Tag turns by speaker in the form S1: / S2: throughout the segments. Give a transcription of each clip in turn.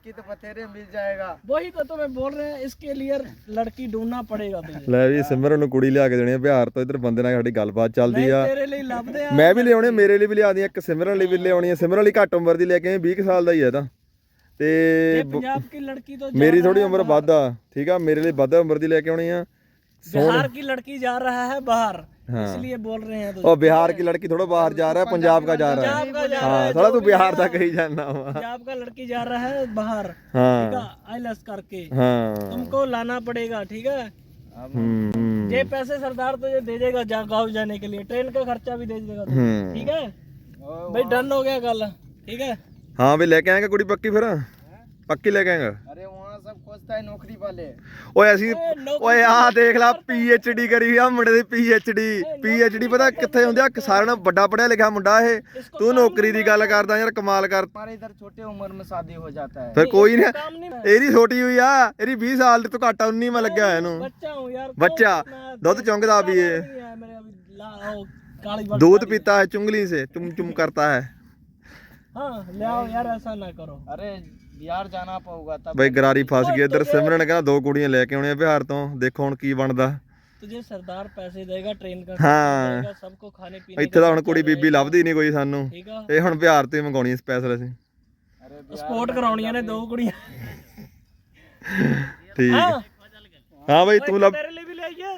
S1: लड़की तो बतेरे मिल जाएगा।
S2: वही तो तुम्हें बोल रहे हैं, इसके लिए लड़की ढूंढना पड़ेगा तुझे।
S3: ਲੈ ਵੀ ਸਿਮਰਨ ਨੂੰ ਕੁੜੀ ਲਿਆ ਕੇ ਦੇਣੀ ਆ ਬਿਹਾਰ ਤੋਂ। ਇੱਧਰ ਬੰਦੇ ਨਾਲ ਸਾਡੀ ਗੱਲਬਾਤ ਚੱਲਦੀ ਆ।
S2: तेरे लिए लभदे आ।
S3: ਮੈਂ ਵੀ ਲਿਆਉਣੀ ਆ, ਮੇਰੇ ਲਈ ਵੀ ਲਿਆ दी ਇੱਕ ਸਿਮਰਨ ਲਈ ਵੀ ਲਿਆਉਣੀ ਆ। ਸਿਮਰਨ ਲਈ ਘੱਟ ਉਮਰ ਦੀ ਲੈ ਕੇ ਆਏ, 20 ਸਾਲ ਦਾ ਹੀ ਹੈ ਤਾਂ ਤੇ
S2: पंजाब की लड़की तो
S3: ਮੇਰੀ ਥੋੜੀ ਉਮਰ ਵੱਧ ਆ, ਠੀਕ ਆ। ਮੇਰੇ ਲਈ ਵੱਧ ਉਮਰ ਦੀ ਲੈ ਕੇ ਆਉਣੀ ਆ।
S2: बिहार की लड़की जा रहा है बाहर, इसलिए बोल रहे हैं।
S3: और बिहार की लड़की थोड़ा बाहर जा रहा है, पंजाब का जा रहा है। हाँ थोड़ा तू बिहार तक ही जाना हुआ।
S2: पंजाब का लड़की जा रहा है बाहर,
S3: हाँ
S2: आईलेट्स करके
S3: हाँ
S2: तुमको लाना पड़ेगा, ठीक है। ये पैसे सरदार तुझे दे देगा गाँव जाने के लिए, ट्रेन का खर्चा भी दे देगा तुझे, ठीक है भाई। डन हो गया कल, ठीक है।
S3: हाँ भी लेके आएंगे कुड़ी पक्की, फिर पक्की लेके आएंगे।
S1: अरे वहाँ सब खोजता है नौकरी वाले।
S3: ਓਏ ਅਸੀਂ ਓਏ ਆਹ ਦੇਖ ਲੈ PhD ਕਰੀ ਆ ਮੁੰਡੇ ਦੀ PhD ਪਤਾ ਕਿੱਥੇ ਹੁੰਦੀ ਆ? ਸਾਰਿਆਂ ਨਾਲੋਂ ਵੱਡਾ ਪੜਿਆ ਲਿਖਿਆ ਮੁੰਡਾ ਇਹ। ਤੂੰ ਨੌਕਰੀ ਦੀ ਗੱਲ ਕਰਦਾ ਯਾਰ, ਕਮਾਲ ਕਰ।
S1: हमारे इधर छोटे उम्र में शादी हो जाता है।
S3: ਫਿਰ ਕੋਈ ਨਹੀਂ, ਇਹਦੀ ਛੋਟੀ ਹੋਈ ਆ, ਇਹਦੀ 20 ਸਾਲ ਤੋਂ ਘੱਟ 19 ਮੈਂ ਲੱਗਿਆ ਹੋਇਆ ਇਹਨੂੰ।
S2: बच्चा हूँ यार,
S3: ਬੱਚਾ ਦੁੱਧ ਚੁੰਗਦਾ ਵੀ ਇਹ,
S2: मेरे अभी काली
S3: दूध पीता है चुंगली से, चुम चुम करता है।
S2: हाँ ले आओ यार, ऐसा ना करो।
S1: अरे बिहार जाना पड़ेगा तब।
S3: ਬਈ ਗਰਾਰੀ ਫਸ ਗਈ ਇੱਧਰ। ਸਿਮਰਨ ਨੇ ਕਹਿੰਦਾ 2 ਕੁੜੀਆਂ ਲੈ ਕੇ ਆਉਣੀਆਂ ਬਿਹਾਰ ਤੋਂ, ਦੇਖੋ ਹੁਣ ਕੀ ਬਣਦਾ।
S2: तुझे सरदार पैसे देगा, ट्रेन का
S3: हाँ।
S2: देगा, सबको खाने पीने
S3: ਇੱਥੇ ਤਾਂ ਹੁਣ ਕੁੜੀ ਬੀਬੀ ਲੱਭਦੀ ਨਹੀਂ ਕੋਈ ਸਾਨੂੰ,
S2: ठीक है।
S3: ਇਹ ਹੁਣ ਬਿਹਾਰ ਤੋਂ ਹੀ ਮੰਗਾਉਣੀ ਸਪੈਸ਼ਲ ਅਸੀਂ।
S2: स्पोर्ट कराउनियां ने 2 कुड़ियां।
S3: ਠੀਕ ਹੈ। ਹਾਂ ਬਈ ਤੂੰ ਲੱਭ।
S2: तेरे लिए भी ले आइए।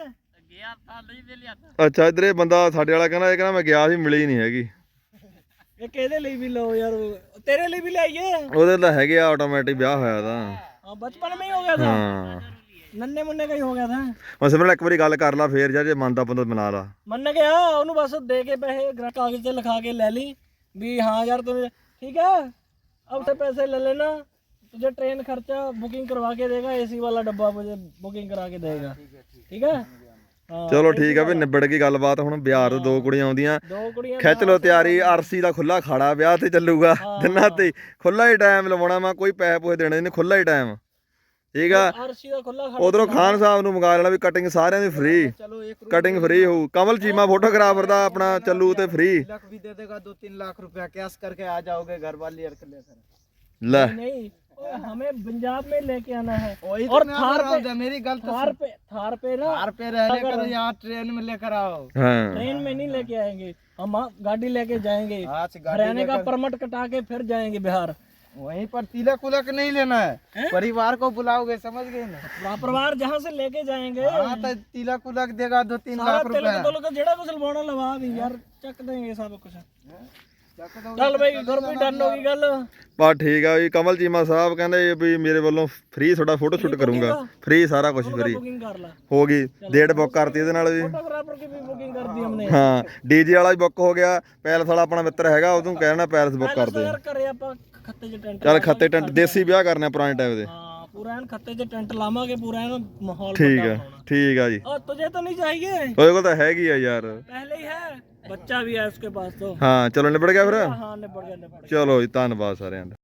S3: ਅੱਛਾ ਇੱਧਰ ਇਹ ਬੰਦਾ ਸਾਡੇ ਵਾਲਾ ਕਹਿੰਦਾ, ਇਹ ਕਹਿੰਦਾ ਮੈਂ ਗਿਆ ਸੀ ਮਿਲੀ ਨਹੀਂ ਹੈਗੀ।
S2: ये केदे लिए भी लो यार, तेरे लिए भी ले आइए।
S3: ਉਹਦੇ ਤਾਂ ਹੈਗੇ ਆ ਆਟੋਮੈਟਿਕ ਵਿਆਹ ਹੋਇਆ ਤਾਂ।
S2: हाँ, बचपन में ही हो गया था,
S3: ਹਾਂ
S2: नन्ने मुन्ने का ही हो गया था।
S3: ਹੁਣ ਸਿਮਰਨ ਇੱਕ ਵਾਰੀ ਗੱਲ ਕਰ ਲਾ ਫੇਰ, ਜਾਂ ਜੇ ਮੰਨਦਾ ਬੰਦਾ ਬਣਾ ਲਾ।
S2: मन गया ਉਹਨੂੰ बस दे के पैसे कागज से लिखा के ले ली भी हाँ यार तुम्हें ठीक है, अब से पैसे ले लेना, तुझे ट्रेन खर्चा बुकिंग करवा के देगा, एसी वाला डब्बा मुझे बुकिंग करा के देगा, ठीक है। हाँ,
S3: ਚਲੋ ਠੀਕ ਆ ਵੀ ਨਿਬੜ ਗਈ ਗੱਲਬਾਤ। ਹੁਣ ਬਿਹਾਰ ਤੋਂ 2 ਕੁੜੀਆਂ ਆਉਂਦੀਆਂ,
S2: 2 कुड़ियां
S3: ਖਿੱਚ ਲੋ ਤਿਆਰੀ। ਆਰਸੀ ਦਾ ਖੁੱਲਾ ਖਾੜਾ ਵਿਆਹ ਤੇ ਚੱਲੂਗਾ ਦਿਨਾਂ ਤੇ, ਖੁੱਲਾ ਹੀ ਟਾਈਮ ਲਵਾਉਣਾ। ਮੈਂ ਕੋਈ ਪੈਸੇ ਪੂਸੇ ਦੇਣੇ ਨਹੀਂ, ਖੁੱਲਾ ਹੀ ਟਾਈਮ, ਠੀਕ ਆ।
S2: आरसी ਦਾ ਖੁੱਲਾ ਖੜਾ।
S3: ਉਧਰੋਂ ਖਾਨ ਸਾਹਿਬ ਨੂੰ ਮੰਗਾ ਲੈਣਾ ਵੀ ਕਟਿੰਗ ਸਾਰਿਆਂ ਦੀ ਫ੍ਰੀ, ਕਟਿੰਗ ਫ੍ਰੀ ਹੋਊ। ਕਮਲ ਚੀਮਾ ਫੋਟੋਗ੍ਰਾਫਰ ਦਾ ਆਪਣਾ ਚੱਲੂ ਤੇ ਫ੍ਰੀ।
S1: तिलक भी दे देगा, 2-3 लाख रुपया कैश करके आ जाओगे घर वाली लेकर।
S3: ਲੈ
S2: नहीं हमें पंजाब में लेके आना है।
S1: वही
S2: और
S1: तो मैं
S2: थार
S1: बोल रहा हूँ,
S2: पे
S1: मेरी गलत
S2: थार पे ना
S1: थार पे रहने करो, यहाँ ट्रेन में लेकर आओ।
S3: ਹਾਂ
S2: ट्रेन में नहीं लेके आएंगे हम, गाड़ी लेके जाएंगे,
S1: आज गाड़ी
S2: हरियाणा का परमट कटा के फिर जाएंगे बिहार।
S1: वहीं पर तिलक उलक नहीं लेना है, परिवार को बुलाओगे, समझ गए ना।
S2: परिवार जहाँ से लेके जाएंगे
S1: हाँ तो तिलक उलक देगा 2-3 लाख रुपया।
S2: जेड़ा कुछ लवाना लवा दी यार, चक देंगे सब कुछ। चल भाई घर भी डन होगी गल।
S3: ਬਸ ਠੀਕ ਆ ਵੀ ਕਮਲ ਚੀਮਾ ਸਾਹਿਬ ਕਹਿੰਦੇ ਵੀ ਮੇਰੇ ਵੱਲੋਂ ਫ੍ਰੀ ਤੁਹਾਡਾ ਫੋਟੋ ਸ਼ੂਟ ਕਰੂੰਗਾ, ਫ੍ਰੀ ਸਾਰਾ ਕੁਝ ਫ੍ਰੀ
S2: बुकिंग कर ला,
S3: ਹੋ ਗਈ। ਡੇਟ ਬੁੱਕ ਕਰਤੀ ਇਹਦੇ ਨਾਲ ਵੀ।
S2: फोटोग्राफर की भी बुकिंग कर दी हमने।
S3: ਹਾਂ ਡੀਜੇ ਵਾਲਾ ਵੀ ਬੁੱਕ ਹੋ ਗਿਆ। ਪੈਲਸ ਵਾਲਾ ਆਪਣਾ ਮਿੱਤਰ ਹੈਗਾ, ਉਹਨੂੰ ਕਹਿਣਾ ਪੈਲਸ ਬੁੱਕ ਕਰ ਦੇ।
S2: यार करे ਆਪਾਂ ਖੱਤੇ ਚ ਟੈਂਟ।
S3: ਚੱਲ ਖੱਤੇ ਟੈਂਟ ਦੇਸੀ ਵਿਆਹ ਕਰਨੇ ਪੁਰਾਣੇ ਟਾਈਮ ਦੇ।
S2: हाँ पूरा एन खत्ते च टेंट लावांगे, पूरा एन माहौल
S3: ਠੀਕ
S2: बड़ा
S3: ਆ
S2: होना।
S3: ਠੀਕ ਆ ਜੀ।
S2: और तुझे तो नहीं चाहिए,
S3: ਉਹਦੇ ਕੋਲ ਤਾਂ ਹੈਗੀ ਆ ਯਾਰ।
S2: पहले ही है, बच्चा भी है उसके पास तो।
S3: ਹਾਂ ਚਲੋ ਨਿਬੜ ਗਿਆ ਫਿਰ।
S2: हाँ निपट गया।
S3: ਚਲੋ ਜੀ ਧੰਨਵਾਦ ਸਾਰਿਆਂ ਦਾ।